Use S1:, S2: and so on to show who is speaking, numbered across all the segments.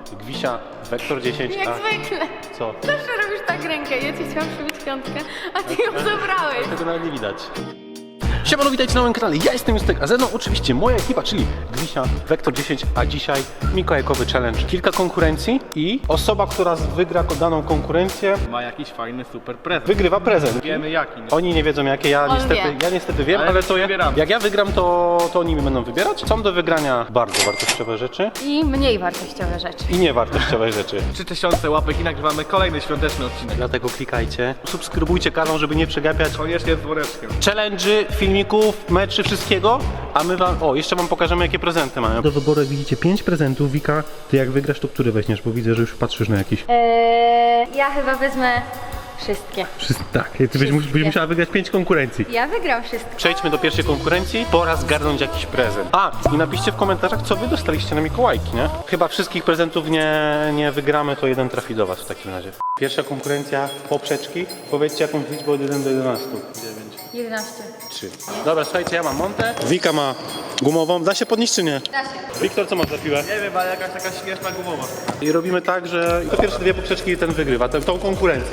S1: Gwisia, Wektor 10,
S2: Jak zwykle.
S1: Co?
S2: Zawsze robisz tak rękę. Ja ci chciałam przybić piątkę, a ty ją zabrałeś.
S1: Tego nawet nie widać. Siemano, witajcie na moim kanale, ja jestem Justek, a ze mną oczywiście moja ekipa, czyli Gwisia, Wektor 10, a dzisiaj mikołajkowy challenge. Kilka konkurencji i osoba, która wygra daną konkurencję,
S3: Ma jakiś fajny super prezent.
S1: wygrywa prezent.
S3: Wiemy jaki, nie?
S1: Oni nie wiedzą jakie, ja niestety wiem, ale to
S3: wybieramy.
S1: jak ja wygram, to oni mi będą wybierać. Są do wygrania bardzo wartościowe rzeczy
S2: I mniej wartościowe rzeczy.
S1: i niewartościowe rzeczy.
S3: 3000 łapek i nagrywamy kolejny świąteczny odcinek.
S1: Dlatego klikajcie, subskrybujcie kanał, żeby nie przegapiać
S3: Koniecznie z woreczkiem.
S1: challenge'y, filmików, meczy, wszystkiego, a my wam, jeszcze wam pokażemy jakie prezenty mają. Do wyboru jak widzicie 5 prezentów. Wika, ty jak wygrasz, to który weźmiesz, bo widzę, że już patrzysz na jakiś.
S2: Ja chyba wezmę wszystkie.
S1: Tak, ty będziesz musiała wygrać 5 konkurencji.
S2: Ja wygram wszystkie.
S1: Przejdźmy do pierwszej konkurencji, pora zgarnąć jakiś prezent. A, i napiszcie w komentarzach, co wy dostaliście na Mikołajki, nie? Chyba wszystkich prezentów nie wygramy, to jeden trafi do was w takim razie. Pierwsza konkurencja, poprzeczki. Powiedzcie jakąś liczbę od 1 do 11.
S2: 11.
S1: 3. Dobra, słuchajcie, ja mam Montę. Wika ma gumową. Da się podnieść czy nie?
S2: Da się.
S1: Wiktor, co masz za piłę?
S3: Nie wiem, ale jakaś taka śmieszna gumowa.
S1: I robimy tak, że to pierwsze dwie poprzeczki ten wygrywa, tą konkurencję.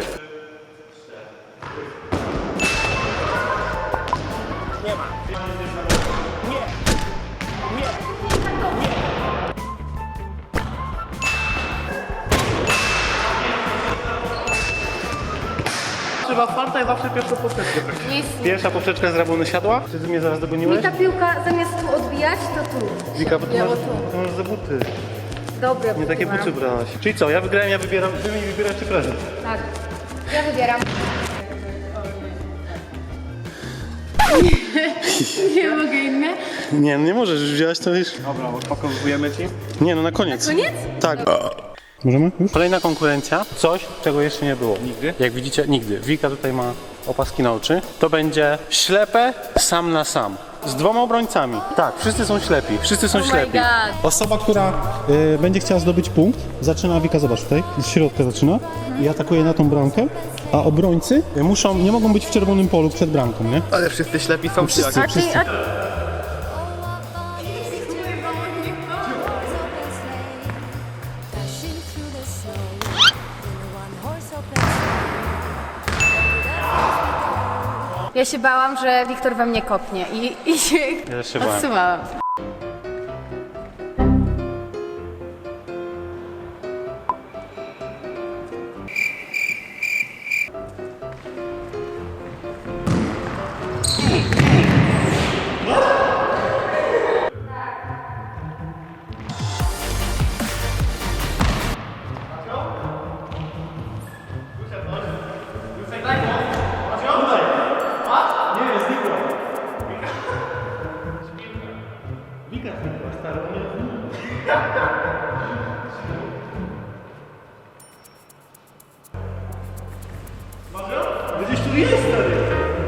S3: Trzeba farta i zawsze pierwszą poprzeczkę.
S1: Pierwsza poprzeczka z rabony siadła. Ty mnie zaraz dogoniłeś?
S2: Mi ta piłka zamiast tu odbijać, to tu.
S1: Wika, bo ty
S2: Miało
S1: masz,
S2: tu.
S1: ty masz za buty.
S2: Dobre
S1: Nie takie
S2: mam.
S1: buty brałaś. Czyli co, ja wygrałem, ja wybieram, wy mi wybieracie prezent.
S2: Tak. Ja wybieram. Nie mogę inne.
S1: Nie, no nie możesz, już wziąłeś to już.
S3: Dobra, odpakowujemy ci.
S1: Nie, no na koniec.
S2: Koniec?
S1: Tak. Możemy? Już? Kolejna konkurencja. Coś, czego jeszcze nie było.
S3: Nigdy?
S1: Jak widzicie, nigdy. Wika tutaj ma opaski na oczy. To będzie ślepe sam na sam. Z dwoma obrońcami. Tak, wszyscy są ślepi. Wszyscy są
S2: Oh my
S1: ślepi.
S2: God.
S1: Osoba, która będzie chciała zdobyć punkt, zaczyna, Wika, zobacz tutaj, z środka zaczyna i atakuje na tą bramkę, a obrońcy nie mogą być w czerwonym polu przed bramką, nie?
S3: Ale wszyscy ślepi są
S1: Wszyscy.
S3: wszyscy.
S2: A ty,
S4: Dashing through the snow in a one-horse open
S2: Ja się bałam, że Wiktor we mnie kopnie i się
S1: Ja się bałem.
S2: odsuwałam.
S1: Gdzieś tu jest, stary.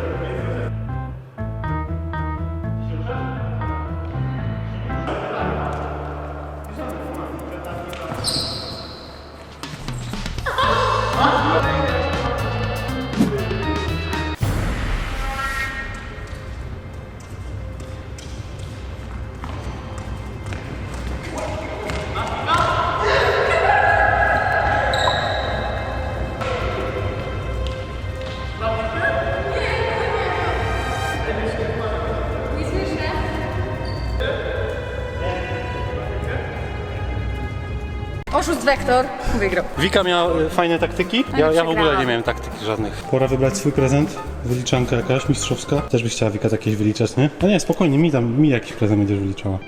S2: Oszust Wektor wygrał.
S1: Wika miała fajne taktyki, ja w ogóle
S2: przegrałam.
S1: nie miałem taktyki żadnych. Pora wybrać swój prezent, wyliczanka jakaś mistrzowska. Też byś chciała, Wika, jakieś wyliczać, nie? A nie, spokojnie, mi jakiś prezent będziesz wyliczała.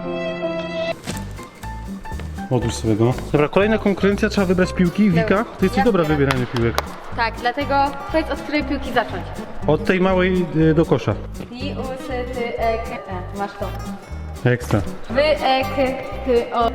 S1: Odłóż sobie go. Dobra, kolejna konkurencja, trzeba wybrać piłki. Wika, ty jesteś
S2: Ja
S1: dobra w
S2: wybieram.
S1: wybieraniu piłek.
S2: Tak, dlatego powiedz od której piłki zacząć.
S1: Od tej małej do kosza.
S2: I, u, s, ty, e, k, e. Masz to.
S1: Ekstra.
S2: Wy, e, k, k, o.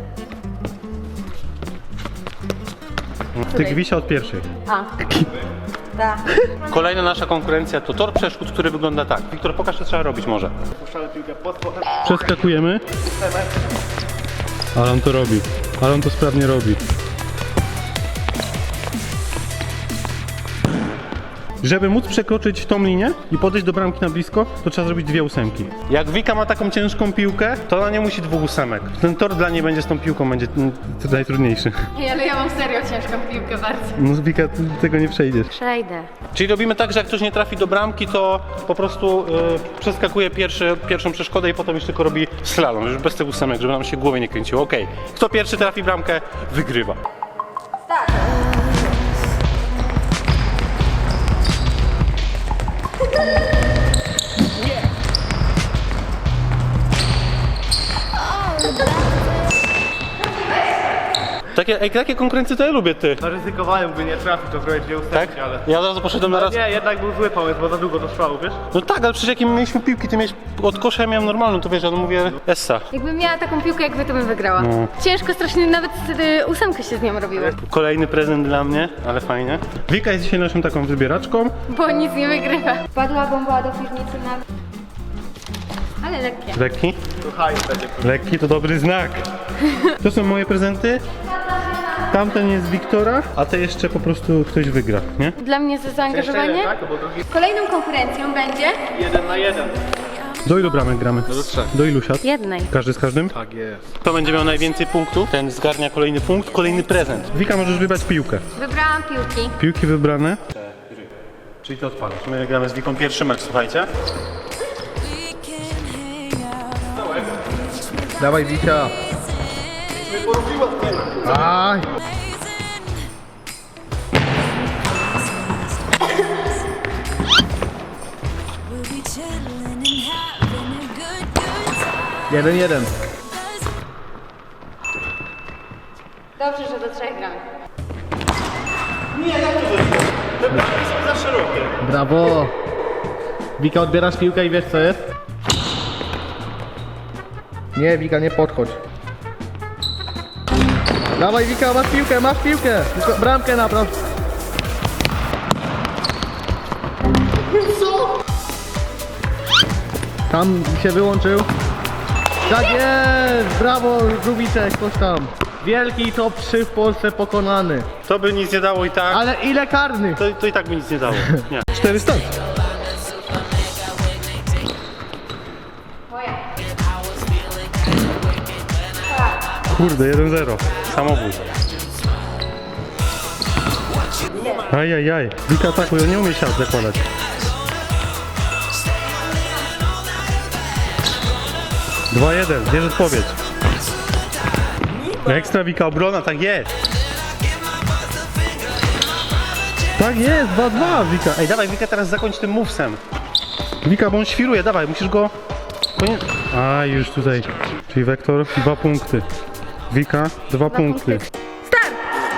S1: Ty, Gwisia, od pierwszej.
S2: A. Da.
S1: Kolejna nasza konkurencja to tor przeszkód, który wygląda tak. Wiktor, pokaż, co trzeba robić może.
S3: Puszczamy piłkę pod spodem.
S1: Przeskakujemy. Ale on to robi. Ale on to sprawnie robi. Żeby móc przekroczyć tą linię i podejść do bramki na blisko, to trzeba zrobić 2 ósemki. Jak Wika ma taką ciężką piłkę, to ona nie musi 2 ósemek. Ten tor dla niej będzie z tą piłką będzie najtrudniejszy.
S2: Ej, ale ja mam serio ciężką piłkę bardzo.
S1: No Wika, ty tego nie przejdziesz.
S2: Przejdę.
S1: Czyli robimy tak, że jak ktoś nie trafi do bramki, to po prostu przeskakuje pierwszą przeszkodę i potem już tylko robi slalom, już bez tych ósemek, żeby nam się głowy nie kręciło. Okej. Kto pierwszy trafi bramkę, wygrywa. Takie konkurencje to ja lubię, ty.
S3: Zaryzykowałem, by nie trafić, to zrobić 2 ósemki,
S1: Tak?
S3: ale...
S1: Ja od razu poszedłem na raz.
S3: Nie, jednak był zły pomysł, bo za długo to trwało, wiesz?
S1: No tak, ale przecież jakie my mieliśmy piłki, ty miałeś od kosza, ja miałem normalną, to wiesz, ja mówię Essa.
S2: Jakbym miała taką piłkę jak wy, to bym wygrała.
S1: No.
S2: Ciężko strasznie, nawet ósemkę się z nią robiło.
S1: Kolejny prezent dla mnie, ale fajnie. Wika jest dzisiaj naszą taką wybieraczką.
S2: Bo nic nie wygrywa. Wpadła bomba do piwnicy na... Ale lekkie.
S1: Lekki?
S3: Tu hajs będzie.
S1: Lekki to dobry znak. To są moje prezenty. Tamten jest Wiktora, a te jeszcze po prostu ktoś wygra, nie?
S2: Dla mnie za zaangażowanie.
S3: tak? Bo drugi
S2: Kolejną konkurencją będzie
S3: 1 na 1.
S1: Do ilu bramek gramy?
S3: Do 3.
S1: Do ilu siat?
S2: jednej.
S1: Każdy z każdym?
S3: Tak jest.
S1: Kto będzie miał najwięcej punktów, ten zgarnia kolejny punkt, kolejny prezent. Wika, możesz wybrać piłkę.
S2: Wybrałam piłki.
S1: Piłki wybrane. Czyli to odpalasz. My gramy z Wiką pierwszy mecz, słuchajcie.
S3: Dawaj, Wika. Aj.
S4: We'll be chilling and having a good time.
S3: 1-1.
S2: Dobrze, że do 3 gramy.
S1: Te bramki są za szerokie.
S3: Brawo. Wika, odbierasz piłkę i wiesz co jest? Nie, Wika, nie podchodź. Dawaj, Wika, masz piłkę. Tylko bramkę napraw. Co? Tam się wyłączył. Tak jest! Brawo, Żubiczek, coś tam. Wielki top 3 w Polsce pokonany.
S1: To by nic nie dało i tak.
S3: Ale ile karnych?
S1: To i tak by nic nie dało. Nie. 400. Kurde, 1-0. Samobój. Ajajaj. Wika atakuje, on nie umie siat zakładać. Dwa 1, bierz odpowiedź. Ekstra Wika obrona, tak jest. Tak jest, 2-2 Wika. Ej, dawaj Wika, teraz zakończ tym movesem. Wika, bo on świruje, dawaj, musisz go... A, już tutaj. Czyli Wektor, 2 punkty. Wika, 2 punkty.
S2: Start!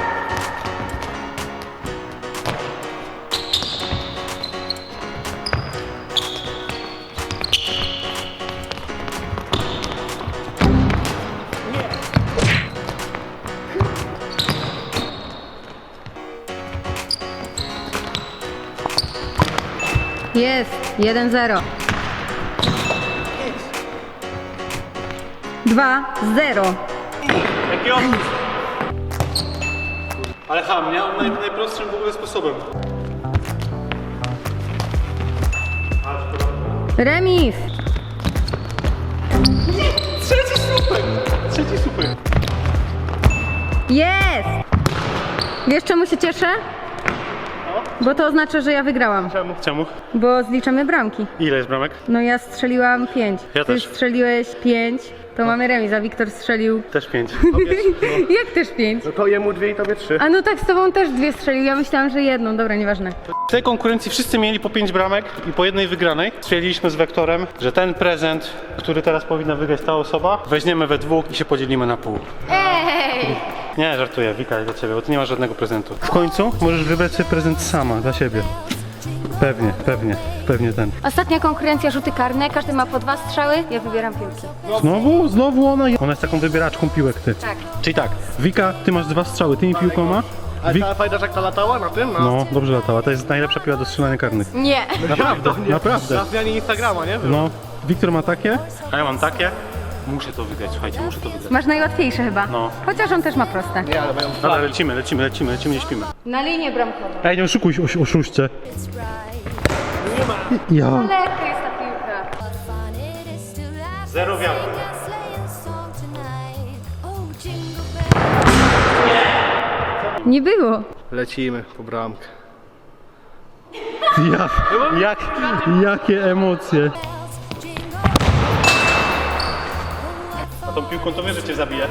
S2: Jest, 1-0. 2-0.
S1: Jaki opis? Ale ham, nie? On najprostszym w ogóle sposobem.
S2: Remis.
S1: Trzeci super.
S2: Jest! Wiesz czemu się cieszę? Bo to oznacza, że ja wygrałam.
S1: Czemu?
S2: Bo zliczamy bramki.
S1: Ile jest bramek?
S2: No ja strzeliłam 5.
S1: Ja
S2: Ty
S1: też.
S2: strzeliłeś 5, to mamy remis, a Wiktor strzelił...
S1: Też 5.
S2: Jak też 5?
S3: No to jemu 2 i tobie 3.
S2: A no tak, z tobą też 2 strzelił, ja myślałam, że jedną, dobra, nieważne.
S1: W tej konkurencji wszyscy mieli po 5 bramek i po jednej wygranej. Stwierdziliśmy z Wektorem, że ten prezent, który teraz powinna wygrać ta osoba, weźmiemy we dwóch i się podzielimy na pół.
S2: Ej!
S1: Nie, żartuję, Wika, dla ciebie, bo ty nie masz żadnego prezentu. W końcu możesz wybrać sobie prezent sama, dla siebie. Pewnie ten.
S2: Ostatnia konkurencja, rzuty karne, każdy ma po 2 strzały, ja wybieram piłki.
S1: Znowu ona. Ona jest taką wybieraczką piłek, ty.
S2: Tak.
S1: Czyli tak, Wika, ty masz 2 strzały, tymi piłkoma.
S3: Ale ta pamiętasz jak ta latała na tym?
S1: No, dobrze latała, to jest najlepsza piła do strzelania karnych.
S2: Nie.
S1: Naprawdę, naprawdę.
S3: Na zmianie Instagrama, nie?
S1: No, Wiktor ma takie, a ja mam takie. Muszę to wygrać, słuchajcie, muszę to wygrać.
S2: Masz najłatwiejsze chyba.
S1: No.
S2: Chociaż on też ma proste.
S3: Nie, ale mają
S1: Dobra, lecimy, nie śpimy.
S2: Na linię bramkową.
S1: Ej, nie oszukuj, oszuście. Ja.
S2: Lekka jest ta piłka.
S4: Fun it is to laugh.
S1: Zero wiatru.
S4: Sing a sleighing song tonight. Oh, jingle bells.
S2: Nie było.
S3: Lecimy po bramkę.
S1: Jakie emocje.
S4: Jingle
S1: A tą piłką to wiesz, że cię zabije.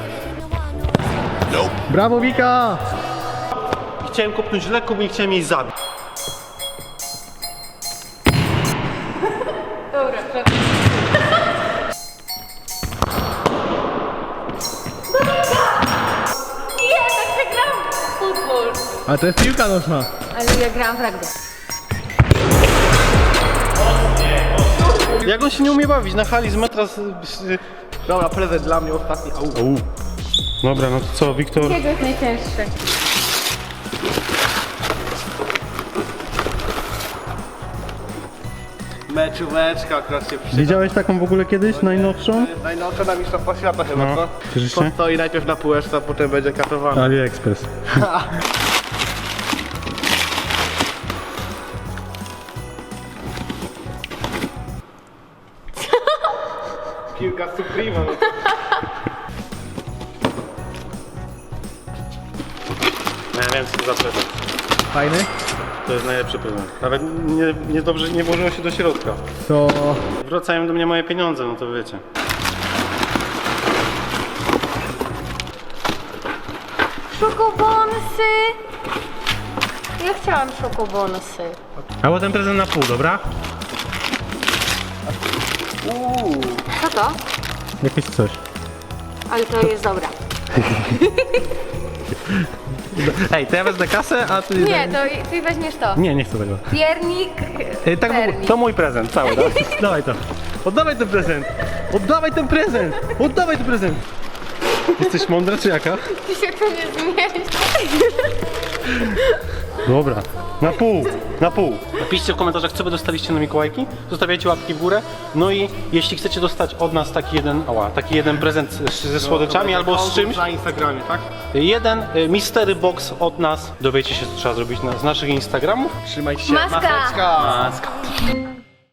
S3: Brawo Wika!
S1: Chciałem kopnąć lekko, bo nie chciałem jej zabić.
S2: Dobra, Nie, tak się gram w futbol.
S3: Ale to jest piłka nożna.
S2: Ale ja gram w rugby.
S1: Jak on się nie umie bawić na hali z metra
S3: Dobra, prezent dla mnie ostatni. Au.
S1: Dobra, no to co, Wiktor?
S2: Jego jest najcięższy.
S3: Meczóweczka akurat się przyda.
S1: Widziałeś taką w ogóle kiedyś, najnowszą?
S3: Najnowsza na mistrzostwa świata chyba,
S1: No,
S3: co?
S1: cieszysz się?
S3: Stoi najpierw na półeczce, a potem będzie katowany.
S1: AliExpress.
S3: Piłka Suprema.
S1: Ja wiem, co to za prezent.
S3: Fajny?
S1: To jest najlepszy prezent. Nawet niedobrze nie włożyło się do środka.
S3: To...
S1: Wracają do mnie moje pieniądze, no to wiecie.
S2: Szokobonsy! Ja chciałam szokobonsy.
S1: Albo ten prezent na pół, dobra?
S2: Co to?
S1: Jakieś coś.
S2: Ale to jest dobra.
S1: Ej, to ja wezmę kasę, a ty...
S2: Nie, to ty weźmiesz to.
S1: Nie chcę tego.
S2: Piernik.
S1: Tak,
S2: pernik.
S1: to mój prezent cały, tak? Dawaj to. Oddawaj ten prezent! Oddawaj ten prezent! Oddawaj ten prezent! Jesteś mądra czy jaka?
S2: Ty się tu nie zmieści.
S1: Dobra, na pół, na pół. Napiszcie w komentarzach, co wy dostaliście na Mikołajki. Zostawiajcie łapki w górę. No i jeśli chcecie dostać od nas taki jeden prezent ze słodyczami albo z czymś,
S3: Na Instagramie, tak?
S1: jeden mystery box od nas. Dowiecie się, co trzeba zrobić z naszych Instagramów.
S3: Trzymajcie się.
S2: Maska.
S3: Maseczka.
S1: Maska.